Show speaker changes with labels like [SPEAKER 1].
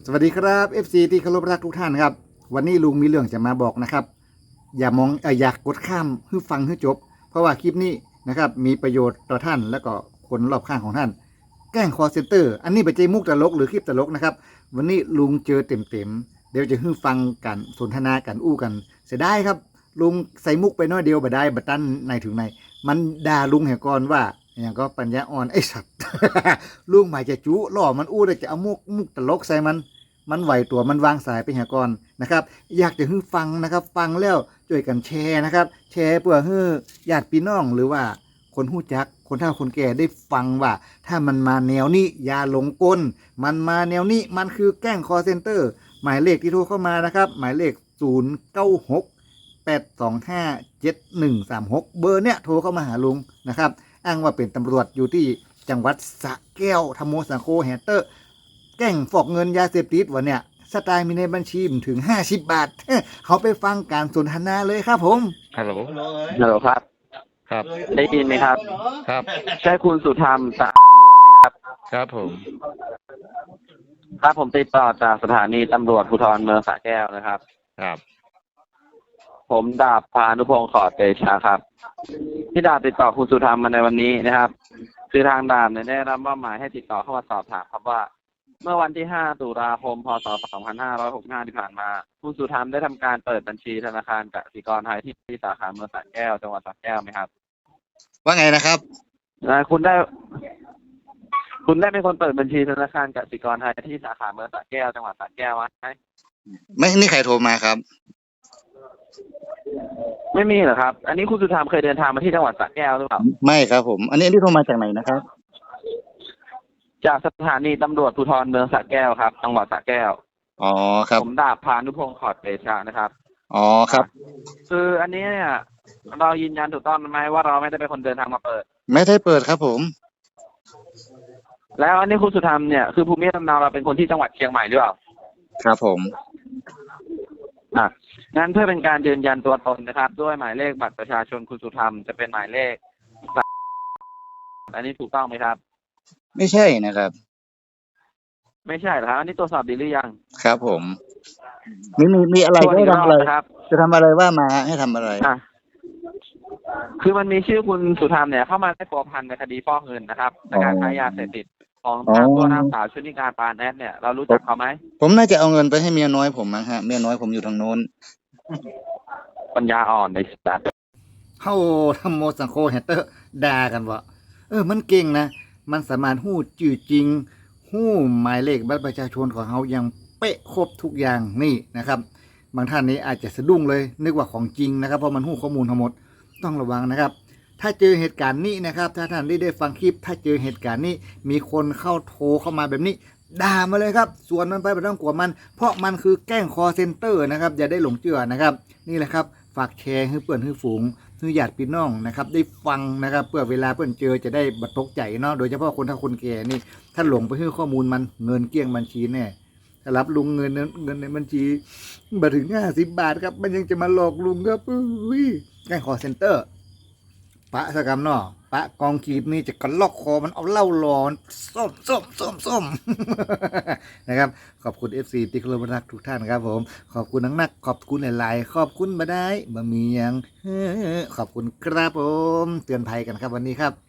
[SPEAKER 1] สวัสดีครับ FC ที่เคารพรักทุกท่านครับวันนี้ลุงมีเรื่องจะมาบอกนะครับอย่ามองอยากกดข้ามให้ฟังให้จบเพราะว่าคลิปนี้นะครับมีประโยชน์ต่อท่านและก็คนรอบข้างของท่านแกล้งคอเซ็นเตอร์อันนี้เป็นใจมุกตลกหรือคลิปตลกนะครับวันนี้ลุงเจอเต็มเดี๋ยวจะให้ฟังกันสนทนากันอู้กันเสียดายครับลุงใส่มุกไปน้อยเดียวบ่ได้บัดตันในถึงในมันด่าลุงแห่ก่อนว่าอย่างก็ปัญญาอ่อนไอ้สัตว์ ลุงหมายจะจุล่อมันอู้เลยจะเอามุกตลกใส่มันไหวตัวมันวางสายไปหาก่อนนะครับอยากจะให้ฟังนะครับฟังแล้วช่วยกันแชร์นะครับแชร์เพื่อให้ญาติพี่น้องหรือว่าคนหู้จักคนเฒ่าคนแก่ได้ฟังว่าถ้ามันมาแนวนี้อย่าหลงกลมันมาแนวนี้มันคือแกล้งคอเซ็นเตอร์หมายเลขที่โทรเข้ามานะครับหมายเลข0968257136เบอร์เนี้ยโทรเข้ามาหาลุงนะครับอ้างว่าเป็นตำรวจอยู่ที่จังหวัดสระแก้วธรรมโมสังโฆแฮตเตอร์แกล้งฟอกเงินยาเสพติดวะเนี่ยสไตล์มีในบัญชีถึง50 บาท เขาไปฟังการสนทนาเลยครับผม
[SPEAKER 2] ฮัลโหล
[SPEAKER 3] ฮัลโหลครับ
[SPEAKER 2] ครับ
[SPEAKER 3] ได้ยินไหมครับ
[SPEAKER 2] ครับ
[SPEAKER 3] ใช่คุณสุธรรมสะอาดล้วนไหมครับ
[SPEAKER 2] ครับผม
[SPEAKER 3] ครับผมติดต่อจากสถานีตำรวจภูธรเมืองสระแก้วนะครับ
[SPEAKER 2] ครับ
[SPEAKER 3] ผมดาบพานุพงศ์ขอดเตชะครับ ที่ดาบติดต่อคุณสุธรรมมาในวันนี้นะครับ คือทางดาบเนี่ยได้รับมอบหมายให้ติดต่อเข้ามาสอบถามครับว่า เมื่อวันที่ 5 ตุลาคม พศ 2565 ที่ผ่านมา คุณสุธรรมได้ทำการเปิดบัญชีธนาคารกสิกรไทยที่สาขาเมืองสระแก้วจังหวัดสระแก้วไหมครับ
[SPEAKER 1] ว่าไงนะครับ
[SPEAKER 3] คุณได้เป็นคนเปิดบัญชีธนาคารกสิกรไทยที่สาขาเมืองสระแก้วจังหวัดสระแก้วไหม
[SPEAKER 1] ไม่นี่ใครโทรมาครับ
[SPEAKER 3] ไม่มีเหรอครับ อันนี้คุณสุธรรมเคยเดินทางมาที่จังหวัดสระแก้วหรือเปล่า
[SPEAKER 1] ไม่ครับผมอันนี้โทรมาจากไหนนะครับ
[SPEAKER 3] จากสถานีตำรวจภูธรเมืองสระแก้วครับจังหวัดสระแก้ว
[SPEAKER 1] อ๋อครับ
[SPEAKER 3] ผมดาบพานุพงศ์ขอดเตชะนะครับ
[SPEAKER 1] อ๋อครับ
[SPEAKER 3] คืออันนี้เนี่ยเรายืนยันถูกต้องไหมว่าเราไม่ได้เป็นคนเดินทางมาเปิด
[SPEAKER 1] ไม่ได้เปิดครับผม
[SPEAKER 3] แล้วอันนี้คุณสุธรรมเนี่ยคือภูมิลำเนาเราเป็นคนที่จังหวัดเชียงใหม่หรือเปล่า
[SPEAKER 1] ครับผม
[SPEAKER 3] งั้นเพื่อเป็นการยืนยันตัวตนนะครับด้วยหมายเลขบัตรประชาชนคุณสุธรรมจะเป็นหมายเลขอันนี้ถูกต้องไหมครับ
[SPEAKER 1] ไม่ใช่นะครับ
[SPEAKER 3] ไม่ใช่เหรอครับอันนี้ตรวจสอบดีหรือยัง
[SPEAKER 1] ครับผมมีอะไรให้ทำอะไร
[SPEAKER 3] ครับ
[SPEAKER 1] จะทำอะไรว่ามาให้ทำอะไร
[SPEAKER 3] คือมันมีชื่อคุณสุธรรมเนี่ยเข้ามาได้ผัวพันในคดีฟอกเงินนะครับในการค้ายาเสพติดของตัวนางสาวชุติการปานแอดเนี่ยเรารู้จักเขาไหม
[SPEAKER 1] ผมน่าจะเอาเงินไปให้เมียน้อยผมมั้งฮะเมียน้อยผมอยู่ทางโน้น
[SPEAKER 3] ปัญญาอ่อนในสัตว์
[SPEAKER 1] เข้าทำโมสังโคแฮตเตอร์ด่ากันว่ามันเก่งนะมันสามารถหู้จื่อจริงหู้หมายเลขบัตรประชาชนของเขายังเป๊ะครบทุกอย่างนี่นะครับบางท่านนี้อาจจะสะดุ้งเลยนึกว่าของจริงนะครับเพราะมันหู้ข้อมูลทั้งหมดต้องระวังนะครับถ้าเจอเหตุการณ์นี้นะครับถ้าท่านได้ฟังคลิปถ้าเจอเหตุการณ์นี้มีคนเข้าโทรเข้ามาแบบนี้ด่ามาเลยครับส่วนมันไปไม่ต้องกลัวมันเพราะมันคือแกล้งคอเซ็นเตอร์นะครับอย่าได้หลงเชื่อนะครับนี่แหละครับฝากแชร์ให้เพื่อนให้ฝูงให้ญาติพี่น้องนะครับได้ฟังนะครับเพื่อเวลาเพื่อนเจอจะได้บัดตกใจเนาะโดยเฉพาะคนถ้าคนแก่นี่ถ้าหลงไปให้ข้อมูลมันเงินเกลี้ยงบัญชีแน่ถ้ารับลุงเงินในบัญชีมาถึง50 บาทครับมันยังจะมาหลอกลุงครับแกล้งคอเซ็นเตอร์ปะสกรรมเนาะปะกองกีบนี่จะกระลอกคอมันเอาเหล้าหลอนส้มนะครับขอบคุณ FC ที่เคารพรักทุกท่านครับผมขอบคุณนักขอบคุณหลายๆขอบคุณมาได้บ่มีอย่างขอบคุณครับผมเตือนภัยกันครับวันนี้ครับ